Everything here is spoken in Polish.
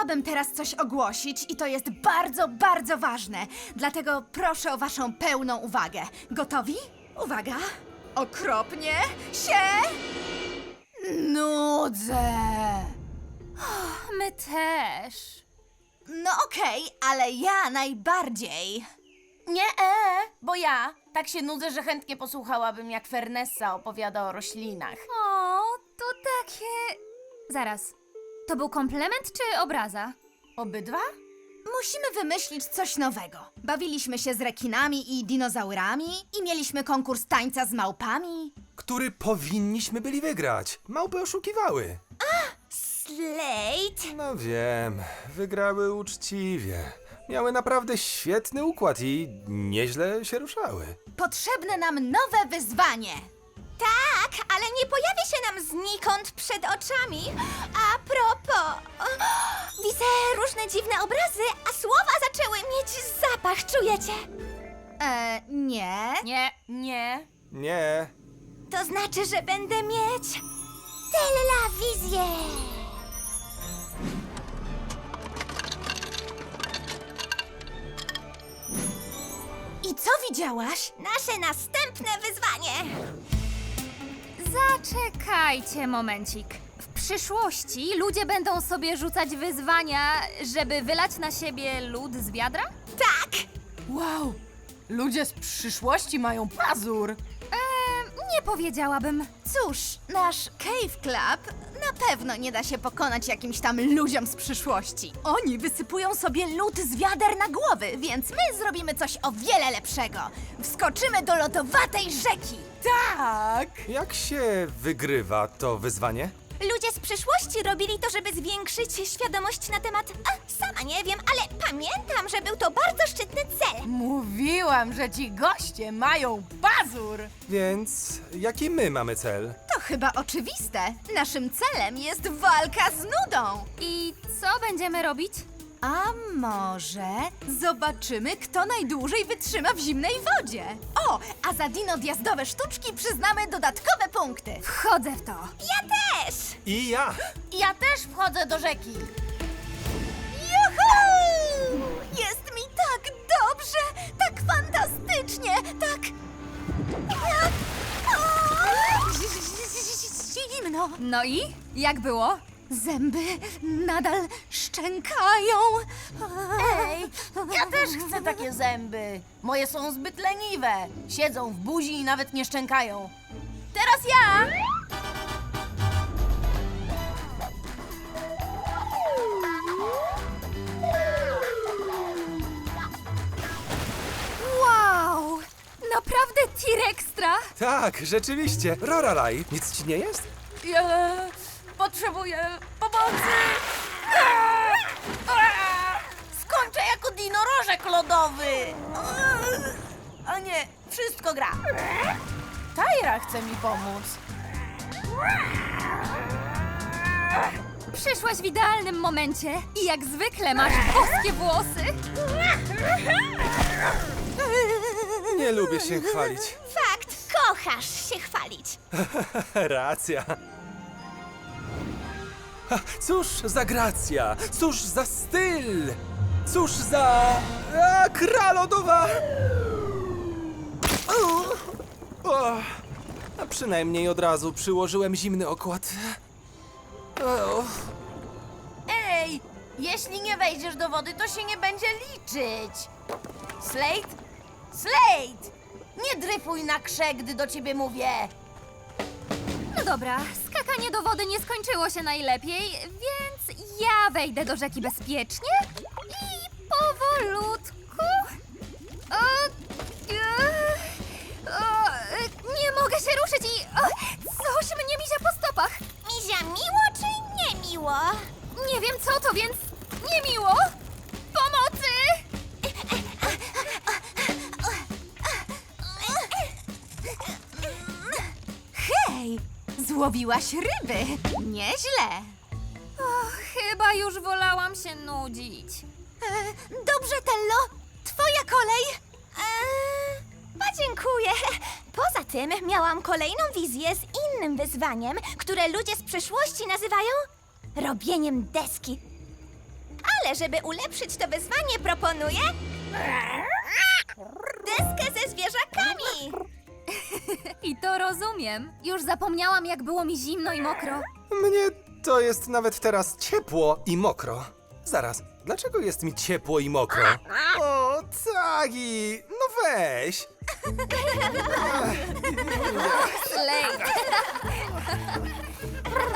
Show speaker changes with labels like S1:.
S1: Chciałabym teraz coś ogłosić i to jest bardzo, bardzo ważne. Dlatego proszę o waszą pełną uwagę. Gotowi? Uwaga! Okropnie się nudzę.
S2: My też.
S1: No okej, ale ja najbardziej.
S3: Nie, bo ja tak się nudzę, że chętnie posłuchałabym, jak Fernessa opowiada o roślinach.
S2: O, to takie... Zaraz, to był komplement czy obraza?
S3: Obydwa?
S1: Musimy wymyślić coś nowego. Bawiliśmy się z rekinami i dinozaurami i mieliśmy konkurs tańca z małpami.
S4: Który powinniśmy byli wygrać. Małpy oszukiwały.
S1: Slate!
S4: No wiem, wygrały uczciwie. Miały naprawdę świetny układ i nieźle się ruszały.
S1: Potrzebne nam nowe wyzwanie.
S5: Tak, ale nie pojawia się nam znikąd przed oczami. A propos, widzę różne dziwne obrazy, a słowa zaczęły mieć zapach, czujecie?
S1: Nie.
S3: Nie.
S4: Nie.
S5: To znaczy, że będę mieć telewizję.
S1: I co widziałaś?
S5: Nasze następne wyzwanie.
S2: Zaczekajcie momencik. W przyszłości ludzie będą sobie rzucać wyzwania, żeby wylać na siebie lód z wiadra?
S5: Tak,
S3: Wow, ludzie z przyszłości mają pazur.
S2: Nie powiedziałabym.
S1: Cóż, nasz Cave Club na pewno nie da się pokonać jakimś tam ludziom z przyszłości. Oni wysypują sobie lód z wiader na głowy, więc my zrobimy coś o wiele lepszego. Wskoczymy do lodowatej rzeki.
S3: Tak.
S4: Jak się wygrywa to wyzwanie?
S5: ludzie z przyszłości robili to, żeby zwiększyć świadomość na temat... sama nie wiem, ale pamiętam, że był to bardzo szczytny cel.
S3: Mówiłam, że ci goście mają pazur.
S4: Więc jaki my mamy cel?
S1: To chyba oczywiste. Naszym celem jest walka z nudą.
S2: I co będziemy robić?
S1: A może zobaczymy, kto najdłużej wytrzyma w zimnej wodzie. O, a za dinodjazdowe sztuczki przyznamy dodatkowe punkty.
S2: Wchodzę w to.
S5: Ja też!
S4: I ja!
S3: Ja też wchodzę do rzeki.
S1: Juhu! Jest mi tak dobrze, tak fantastycznie, tak... Zimno.
S2: No i? Jak było?
S1: Zęby nadal szczękają.
S3: Ej, ja też chcę takie zęby. Moje są zbyt leniwe. Siedzą w buzi i nawet nie szczękają. Teraz ja!
S2: Wow! Naprawdę T-Rextra?
S4: Tak, rzeczywiście. Roralaj, nic ci nie jest?
S3: Ja potrzebuję pomocy. Skończę jako dinorożek lodowy. A nie, wszystko gra. Tajra chce mi pomóc.
S2: Przyszłaś w idealnym momencie i jak zwykle masz boskie włosy.
S4: Nie lubię się chwalić.
S5: Fakt, kochasz się chwalić.
S4: Racja. Ha, cóż za gracja, cóż za styl, cóż za... kra lodowa! A przynajmniej od razu przyłożyłem zimny okład.
S3: Ej, jeśli nie wejdziesz do wody, to się nie będzie liczyć. Slate? Slate! Nie dryfuj na krze, gdy do ciebie mówię.
S2: No dobra, skakanie do wody nie skończyło się najlepiej, więc ja wejdę do rzeki bezpiecznie i powolutku... nie mogę się ruszyć i coś mnie mizia po stopach.
S5: Mizia miło czy nie miło?
S2: Nie wiem co to, więc niemiło. Pomocy!
S1: Hej, złowiłaś ryby. Nieźle.
S2: Chyba już wolałam się nudzić.
S1: Dobrze, Tello, twoja kolej.
S5: Podziękuję. Poza tym miałam kolejną wizję z innym wyzwaniem, które ludzie z przyszłości nazywają robieniem deski. Ale żeby ulepszyć to wyzwanie, proponuję... deskę ze zwierzakami!
S2: I to rozumiem. Już zapomniałam, jak było mi zimno i mokro.
S4: Mnie to jest nawet teraz ciepło i mokro. Zaraz, dlaczego jest mi ciepło i mokro? O, Tagi, no weź.
S2: Slate.